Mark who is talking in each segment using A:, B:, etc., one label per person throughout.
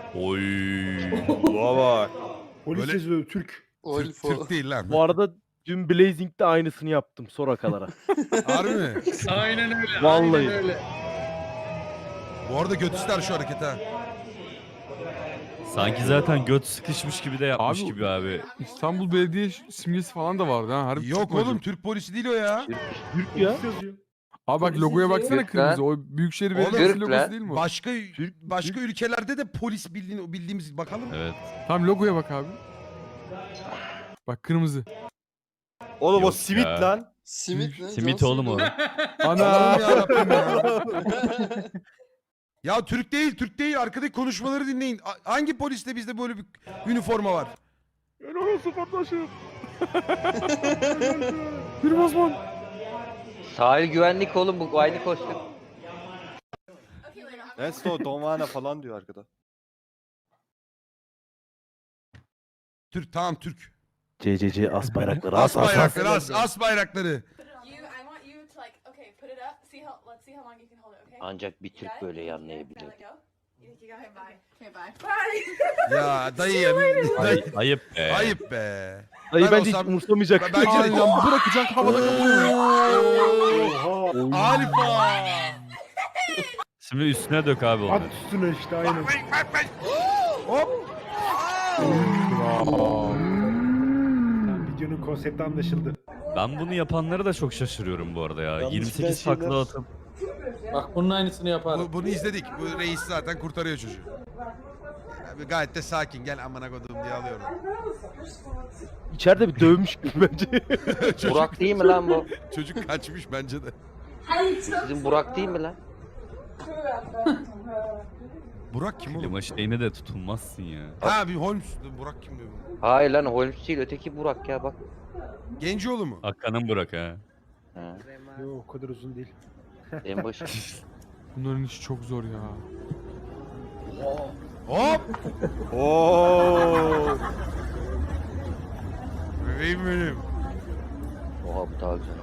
A: Oy.
B: Baba.
C: Polis
D: Böyle-
C: yazıyor Türk.
D: Türk değil lan.
E: Bu arada dün Blazing'de aynısını yaptım Soraka'lara.
D: Harbi mi?
F: Aynen öyle.
E: Vallahi.
F: Aynen öyle.
D: Bu arada götüster şu hareket ha.
A: Sanki zaten göt sıkışmış gibi de yapmış
G: Abi-
A: gibi abi.
G: İstanbul Belediye simgesi falan da vardı ha. Harbi
D: Yok
G: Türk mü
D: oğlum
G: acaba?
D: Türk polisi değil o ya.
E: Türk ya.
C: Polis yazıyor.
G: Abi bak logoya baksana
H: Türk
G: kırmızı.
H: lan.
G: O Büyükşehir
D: Oğlum,
G: Belediyesi
H: Türk
G: logosu
H: lan.
G: değil mi o?
D: Başka ülkelerde de polis bildiğimiz bakalım.
A: Evet.
G: Tamam logoya bak abi. Bak kırmızı.
B: Oğlum o
A: Yok
B: simit
A: ya.
B: lan.
H: Simit lan.
A: Simit
H: John
A: oğlum o.
H: Cena.
G: Ana.
D: Allah'ım yarabbim ya. Ya Türk değil. Arkadaki konuşmaları dinleyin. Hangi poliste bizde böyle bir üniforma var?
E: Helal olsun kardeşim.
G: Bir Osman.
H: Sahil güvenlik oğlum bu aynı kostüm.
B: Neyse o Donvana falan diyor arkada.
D: Türk tamam Türk.
E: CCC as bayrakları
D: As bayrakları as bayrakları.
I: I want you to like, okay, put it up. Let's see how long you can hold it, okay?
H: Ancak bir Türk böyle anlayabilir.
I: Let go. You think you got him? Okay, bye. Bye.
D: Ya dayı ya.
A: Ay, ayıp be.
D: Ayıp be.
E: Dayı
D: Ben
E: bence hiç
D: olsam-
E: umursamayacak.
D: Bence de.
G: Aynen bırakacak havada kapıyor.
D: Alfa.
A: Şimdi üstüne dök abi onu.
C: At üstüne işte aynen.
D: Hop.
C: Tamam, videonun konsepti anlaşıldı.
A: Ben bunu yapanları da çok şaşırıyorum bu arada ya.
B: Yalnız
A: 28
B: ben
A: takla atıp.
F: Bak bunun aynısını yapar.
D: Bunu izledik. Bu reis zaten kurtarıyor çocuğu. Abi gayet de sakin. Gel amına kodum diye alıyorum.
E: İçeride bir dövmüş gibi bence.
H: Burak değil mi lan bu?
D: Çocuk kaçmış bence de.
H: Bizim Burak değil mi lan?
D: Burak kim oğlum?
A: Klima şeyine de tutulmazsın ya.
D: Ha bir Holmes. Burak kim diyor?
H: Hayır lan Holmes değil öteki Burak ya bak.
D: Gencioğlu mu?
A: Hakan'ın Burak ha.
H: Ha,
C: Yok o kadar uzun değil.
H: en başı.
G: Bunların işi çok zor ya.
D: Hop.
B: Oo.
D: Bebeğim benim.
H: Oha bu daha güzel.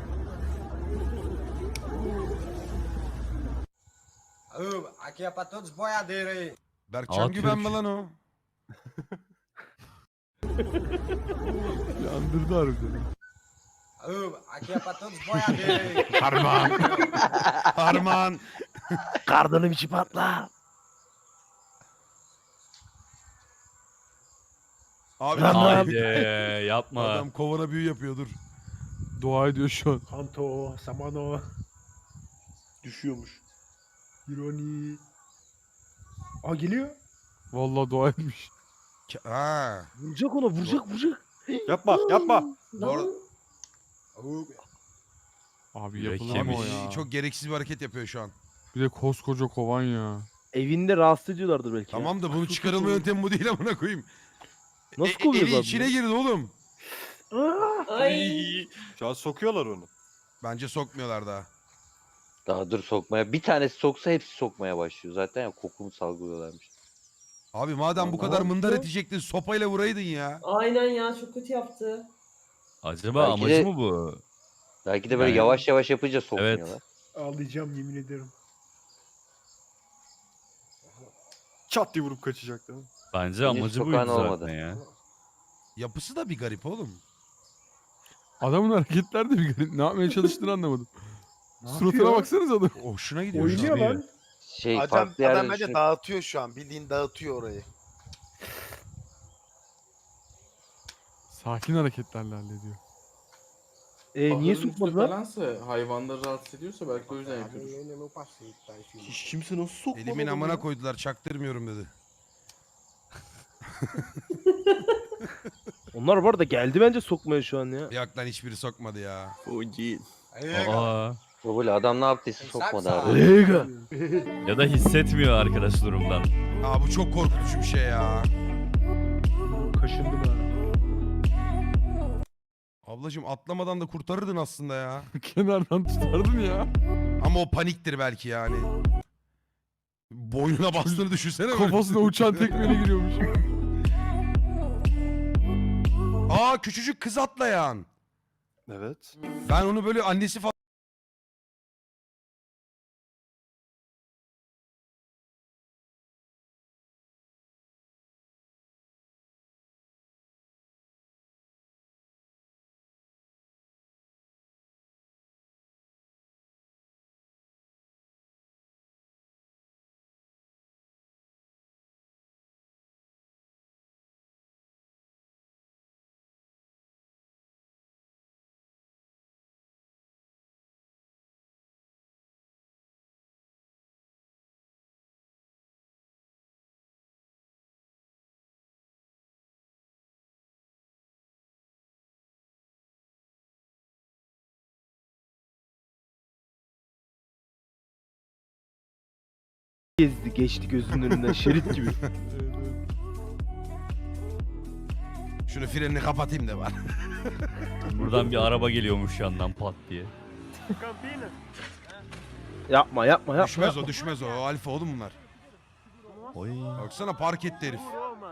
J: Aqui é pra todos os boiadeiros aí.
D: Berkcan
A: Aa,
D: Güven mi
A: Türk.
D: lan o?
G: Yandırdı harbiden.
J: Aqui é pra todos os boiadeiros aí.
D: Harman. Harman.
E: Kardanım içi patla.
D: Abi
A: Haydi yapma.
D: adam kovana büyü yapıyor dur.
G: Dua ediyor şu an.
C: Kanto, Samano,
B: Düşüyormuş.
C: Ironi. Aa geliyor.
G: Vallahi dua etmiş.
D: Ha.
E: Vuracak ona vuracak.
B: Yapma yapma.
D: Bu arada
G: Abi
A: Yürek
G: yapılır mı o
A: yemiş.
G: ya?
D: çok gereksiz bir hareket yapıyor şu an.
G: Bir de koskoca kovan ya.
E: Evinde rahatsız ediyorlardır belki. ya.
D: Tamam da bunun çıkarılma yöntemi bu değil amına koyayım.
E: Nasıl kovuyoruz
D: Eli
E: abi
D: içine
E: bunu?
D: girdi oğlum.
B: Şu an sokuyorlar onu.
D: Bence sokmuyorlar daha.
H: Daha dur sokmaya. Bir tanesi soksa hepsi sokmaya başlıyor. Zaten ya kokumu salgılıyorlarmış.
D: Abi madem bu kadar mındar edecektin sopayla vuraydın ya.
I: Aynen ya, çok kötü yaptı.
A: Acaba
H: Belki
A: amacı
H: de-
A: mı bu?
H: Belki de böyle
A: Yani-
H: yavaş yavaş yapınca sokmuyorlar.
C: Ağlayacağım yemin ederim.
B: Çat diye vurup kaçacak değil mi?
A: Bence
H: Henüz
A: amacı
H: sokağın
A: buydu
H: olmadı.
A: zaten ya.
D: Yapısı da bir garip oğlum.
G: Adamın hareketler de bir garip. Ne yapmaya çalıştığını anlamadım.
C: Ne
G: Suratına
C: yapıyor?
G: baksanız adam.
D: Hoşuna gidiyor şu
C: Oynuyor
D: an.
C: lan.
H: Şey
J: Adam,
H: farklı yerde
J: adam bence
H: düşünüp-
J: dağıtıyor şu an. Bildiğin dağıtıyor orayı.
G: Sakin hareketlerle hallediyor.
E: Niye sokmadılar?
F: Falansa, hayvanları rahatsız ediyorsa belki o yüzden yapıyordur.
B: Hiç kimse nasıl sokmadı?
D: Elimin
B: bunu
D: amına
B: ya?
D: koydular çaktırmıyorum dedi.
E: Onlar bu arada geldi bence sokmaya şu an ya.
D: Yok lan hiçbiri sokmadı ya.
B: O değil.
A: Aa.
H: Bu böyle adam ne yaptıysa sokmadı abi.
E: Lega.
A: Ya da hissetmiyor arkadaş durumdan.
D: Aa bu çok korkutucu bir şey ya.
C: Kaşındım ha.
D: Ablacım atlamadan da kurtarırdın aslında ya.
G: Kenardan tutardın ya.
D: Ama o paniktir belki yani. Boynuna bastığını düşünsene. böyle.
G: Kafasına uçan tekmeyle giriyormuş.
D: Aa küçücük kız atlayan.
B: Evet.
D: Ben onu böyle annesi falan
E: gezdi geçti gözünün önünden şerit gibi.
D: Şunu frenini kapatayım da var.
A: Buradan bir araba geliyormuş yandan pat diye.
E: Yapma yapma yapma.
D: Düşmez o düşmez o. O alfa oğlum bunlar.
A: Oy.
D: Baksana park etti herif.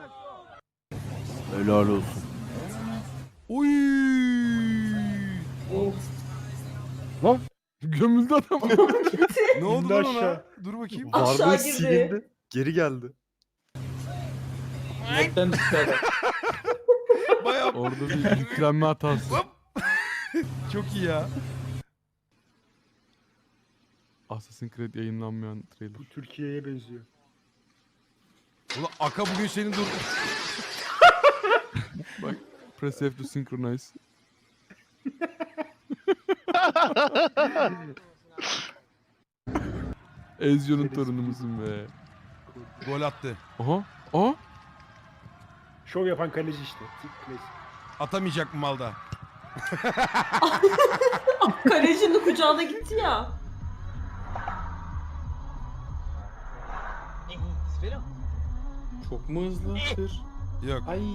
E: Helal olsun.
D: Oy.
G: Gömüldü adam.
D: Ne oldu
C: İndi
D: lan ona?
C: aşağı.
D: Dur bakayım.
B: Varlığı silindi. Geri geldi.
F: Netten çıkardı.
D: Bayağı
G: Orada bir yüklenme hatası.
D: çok iyi ya.
G: Assassin's Creed yayınlanmayan trailer.
C: Bu Türkiye'ye benziyor.
D: Ulan Aka bugün senin dur.
G: Press F to synchronize. Ezio'nun torunumuzun be.
D: Gol attı.
G: Aha. Aha.
C: Şov yapan kaleci işte. Klasik.
D: Atamayacak mı malda?
I: Kalecinin kucağına gitti ya.
F: Çok mu hızlı? Tır.
D: Yok.
F: Ay.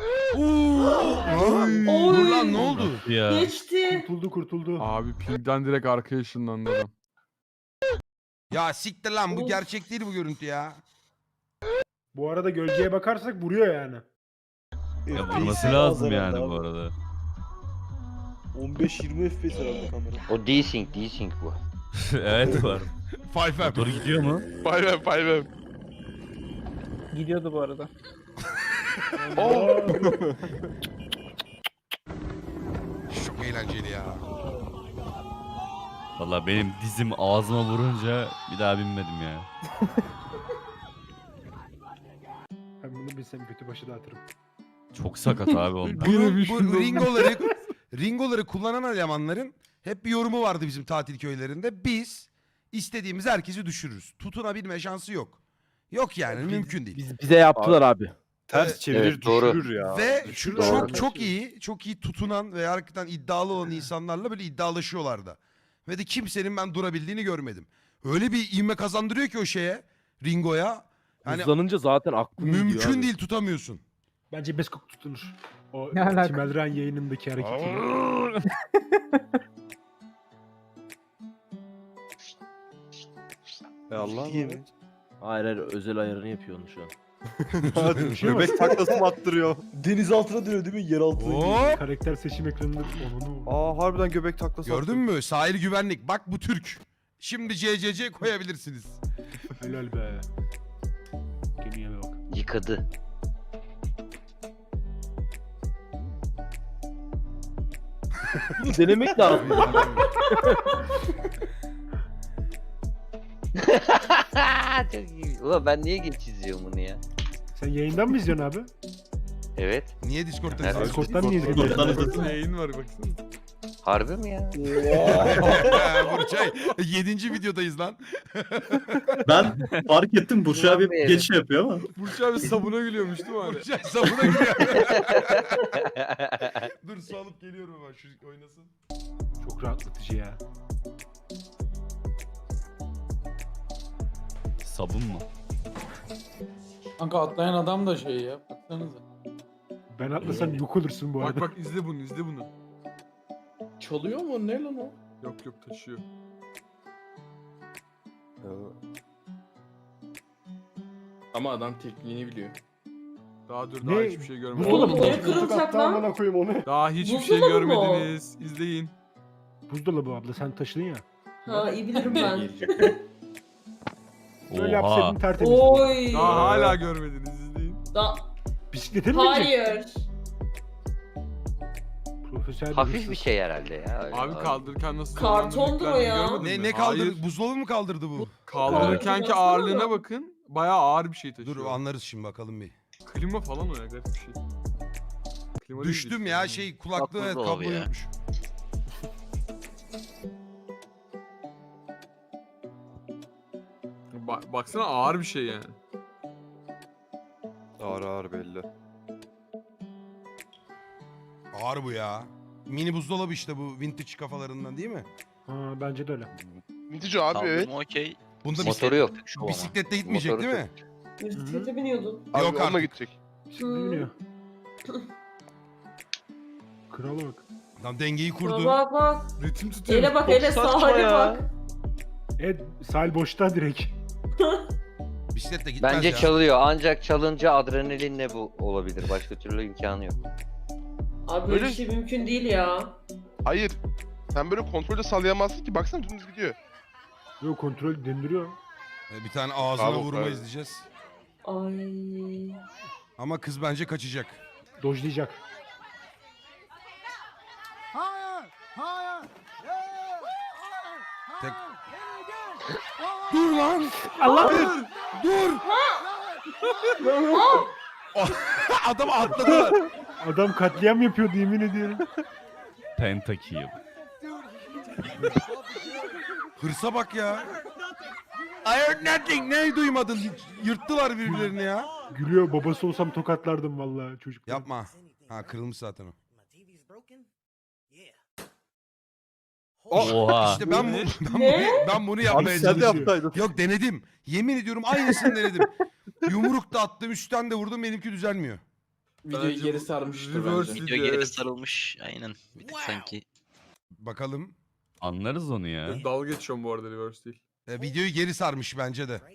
D: Dur lan ne oldu?
A: Ya.
I: Geçti.
C: Kurtuldu.
G: Abi pingden direkt arkaya ışınlandı adam.
D: Ya siktir lan bu gerçek değil bu görüntü ya.
C: Bu arada gölgeye bakarsak vuruyor yani.
A: Ya vurması lazım yani bu arada.
B: 15-20 FPS herhalde kamera.
H: O desync bu.
A: Evet var.
D: Five
A: Motor gidiyor mu?
E: Gidiyordu bu arada.
D: Çok eğlenceli ya.
A: Valla benim dizim ağzıma vurunca bir daha binmedim ya.
C: Ben bunu bilsem kötü başı dağıtırım.
A: Çok sakat abi onlar.
D: Bu ringoları kullanan elemanların hep bir yorumu vardı bizim tatil köylerinde. Biz istediğimiz herkesi düşürürüz. Tutunabilme şansı yok. Yok yani mümkün değil.
E: Bize yaptılar abi.
B: Ters çevirir
H: Evet, doğru.
B: düşürür ya.
D: Ve
B: Düşürür
D: çok
B: abi.
D: çok iyi tutunan ve hakikaten iddialı olan insanlarla böyle iddialaşıyorlardı. Ve de kimsenin ben durabildiğini görmedim. Öyle bir ivme kazandırıyor ki o şeye, ringoya. Yani
E: Hızlanınca zaten aklım gidiyor
D: mümkün
E: abi.
D: değil tutamıyorsun.
C: Bence Beskok tutunur. O
E: Ne alaka?
C: Timelran yayınındaki hareketiyle.
B: Allah
C: Yemin.
E: Hayır hayır özel ayarını yapıyor onu şu an.
B: Hadi göbek taklası mı attırıyor? Deniz altına dönüyor değil mi? Yer altına.
D: Hop!
C: Karakter seçim ekranında onu.
B: Aa harbiden göbek taklası
D: Gördün mü? Sahil güvenlik. Bak bu Türk. Şimdi CCC koyabilirsiniz.
C: Helal be. Gemiye bak.
H: Yıkadı.
E: Denemek lazım.
H: Çok iyi. Ulan ben niye geç izliyorum bunu ya?
C: Sen yayından mı izliyorsun abi?
H: Evet.
D: Niye Discord'da
H: Evet.
D: izliyorsun?
C: Discord'dan niye izliyorsun?
G: Yayın var baksana.
H: Harbi mi ya?
D: Burçay 7. videodayız lan.
K: Ben fark ettim Burcu abi
H: Ulan
K: geç şey yapıyor ama.
G: Burç abi sabuna gülüyormuş değil mi abi?
D: Burçay sabuna giriyor. Dur su alıp geliyorum hemen şu oynasın.
C: Çok rahatlatıcı ya.
A: Sabun mu?
F: Kanka atlayan adam da şey ya. Baksanıza.
C: Ben atlasam yok olursun bu
G: Bak
C: arada.
G: bak izle bunu izle bunu.
F: Çalıyor mu? Ne lan o?
G: Yok yok taşıyor.
F: Ama adam tekniğini biliyor.
G: Daha dur
C: Ne?
G: daha hiçbir şey görmedim.
C: Buzdolabı
I: Oğlum,
C: mı?
I: niye kırılacak lan?
C: Amına koyayım onu.
G: Daha hiçbir şey
I: Buzdolabı mı o?
G: görmediniz. İzleyin.
C: Buzdolabı abla sen taşıdın ya.
I: Ha iyi bilirim ben.
C: Böyle
A: Oha.
C: yapsaydın tertemiz.
I: Oy.
G: Daha hala görmediniz izleyin.
C: Bisiklete mi binecek?
I: Hayır.
C: Profesyonel
H: Hafif bir şey herhalde ya. öyle
G: Abi kaldırırken nasıl
I: Kartondur
G: zorlandığını
I: o ya.
G: görmedin mi?
D: Ne kaldırdı?
G: Hayır.
D: Buzdolabı mu kaldırdı bu?
G: Kaldırırkenki
I: Evet.
G: ağırlığına bakın. Bayağı ağır bir şey taşıyor.
D: Dur anlarız şimdi bakalım bir.
G: Klima falan o ya garip bir şey. Klima değil
D: Düştüm
G: işte.
D: ya şey kulaklığı evet,
H: Buzdolabı
D: kablo
H: ya.
D: yokmuş.
G: Baksana ağır bir şey yani.
B: Ağır ağır belli.
D: Ağır bu ya. Mini buzdolabı işte bu vintage kafalarından değil mi?
C: Ha bence de öyle.
K: Vintage abi evet.
L: Okey.
D: Bunda
H: Motoru yok.
D: bisikletle gitmeyecek
H: Motoru
D: değil mi?
L: Bisiklete biniyordun.
D: Yok artık.
B: gidecek.
C: Bisiklete biniyor. Krala bak.
D: Tam dengeyi kurdu.
L: Bak bak.
G: Ritim tutuyor.
L: Ele bak ele
B: saçma
L: sahile
B: ya.
L: bak.
C: Evet sahil boşta direkt.
D: Bisikletle gitmez
H: Bence
D: ya.
H: çalıyor. Ancak çalınca adrenalinle bu olabilir. Başka türlü imkanı yok.
L: Abi böyle bir şey mümkün değil ya.
B: Hayır. Sen böyle kontrolde sallayamazsın ki. Baksana dümdüz gidiyor.
C: Yok kontrol döndürüyor.
D: Bir tane ağzına
B: Bravo,
D: vurma
B: bravo.
D: izleyeceğiz.
L: Ay.
D: Ama kız bence kaçacak.
C: Dojlayacak.
D: Tek... Dur lan!
C: Allah!
D: Dur! Adam atladılar.
C: Adam katliam yapıyordu yemin ediyorum.
A: Pentakill.
D: Hırsa bak ya. I heard nothing. Ne duymadın? Yırttılar birbirlerini ya.
C: Gülüyor babası olsam tokatlardım vallahi çocuk.
D: Yapma. Ha kırılmış zaten o.
A: Oha.
D: İşte ben
L: Ne?
D: ben bunu yapmaya
B: Abi sen de
D: çalışıyorum.
B: yapsaydın.
D: Yok denedim. Yemin ediyorum aynısını denedim. Yumruk da attım, üstten de vurdum, benimki düzelmiyor.
F: Videoyu geri sarmıştır
G: reverse
F: bence.
G: video, evet.
J: sarılmış. Aynen. Bir tık sanki.
D: Bakalım.
A: Anlarız onu ya.
G: Dalga geçiyorum bu arada reverse değil.
D: Videoyu geri sarmış bence de.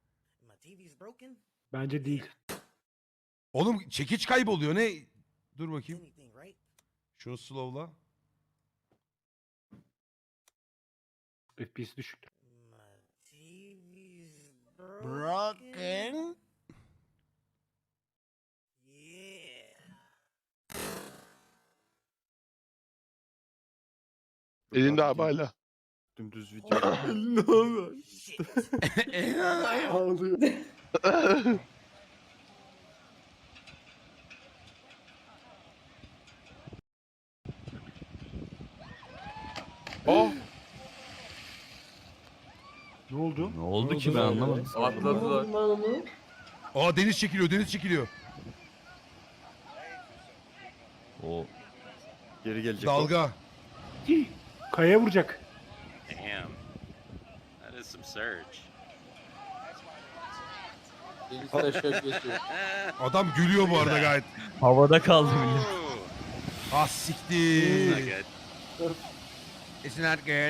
C: Bence değil.
D: Oğlum çekiç kayboluyor ne? Dur bakayım. Şunu slowla.
C: FPS düşüktür.
D: Broken.
B: Elinde abi hala. Dümdüz video.
G: Ne olur.
B: Ağlıyor. Oh.
C: Ne oldu?
A: Ne oldu ki ben anlamadım.
G: Atladılar.
L: Ben onu.
D: Aa deniz çekiliyor, deniz çekiliyor.
A: O
B: Geri gelecek.
D: Dalga.
C: Kayaya vuracak.
J: Damn. That is some surge.
F: Birisi aşağı geçiyor.
D: Adam gülüyor bu arada gayet.
A: havada kaldı millet.
D: Ah siktir.
J: Good.
D: It's not good.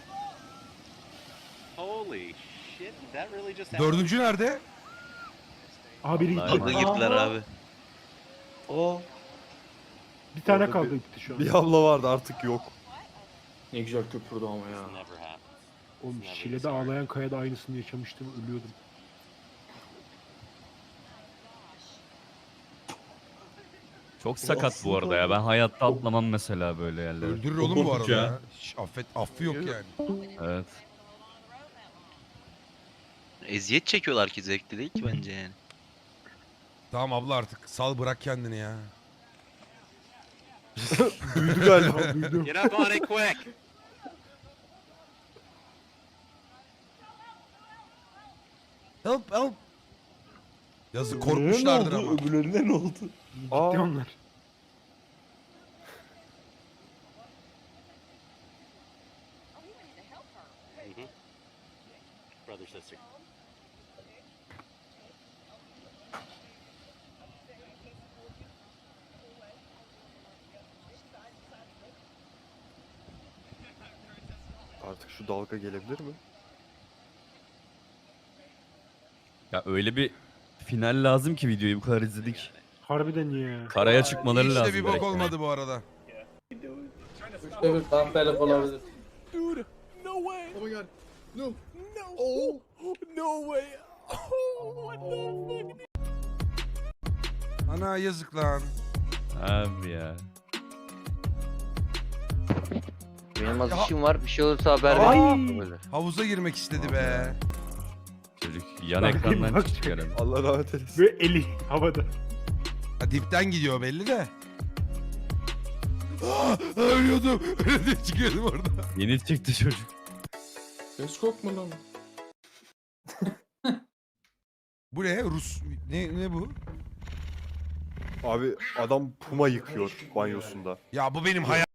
J: Holy shit. Did that really just
D: Dördüncü nerede?
C: Aha biri gitti.
A: Vallahi.
J: girdiler abi.
B: Oh.
C: Bir tane
B: Orada
C: kaldı gitti şu an.
B: Bir abla vardı artık yok.
F: Ne güzel köpürdü ama ya.
J: Never happened.
C: Oğlum Şile'de ağlayan kayada aynısını yaşamıştım ölüyordum.
A: Çok sakat bu arada ya. Ben hayatta atlamam mesela böyle yerlere.
D: Öldürür
K: Çok
D: oğlum bu
K: korkunç
D: arada
K: ya.
D: ya. Hiç affı yok yani.
A: Evet.
J: Eziyet çekiyorlar ki zevkli değil ki bence yani.
D: Tamam abla artık sal bırak kendini ya.
B: Duydu galiba.
C: Duydum.
J: Get up on it quick.
D: Help help. Yazık
B: Öbürlerine
D: korkmuşlardır
B: ne oldu?
D: ama.
B: Öbürlerine ne oldu?
C: Gitti
B: Aa.
C: onlar.
J: Brother sister.
B: Artık şu dalga gelebilir mi?
A: Ya öyle bir final lazım ki videoyu bu kadar izledik.
C: Harbiden ya.
A: Karaya çıkmaları
D: Hiç de
A: lazım.
D: bir bok
A: direkt.
D: olmadı bu arada.
F: Üçte bir kahpelik olabilir.
D: Ana yazık lan.
A: Abi ya.
H: Benim az
D: Ya-
H: işim var. Bir şey olursa haber
C: Ay.
H: ver. Böyle.
D: Havuza girmek istedi be.
A: Çocuk yan
C: Bak,
A: ekrandan
C: bak.
A: çıkacak herhalde.
B: Allah rahmet eylesin.
C: Ve eli havada.
D: Ha, dipten gidiyor belli de. Ölüyordum. Öyle çıkıyordum orada.
A: Yeni çıktı çocuk.
F: Teleskop mu lan?
D: Bu ne? Rus. Ne bu?
B: Abi adam puma yıkıyor banyosunda.
D: Ya bu benim hayal.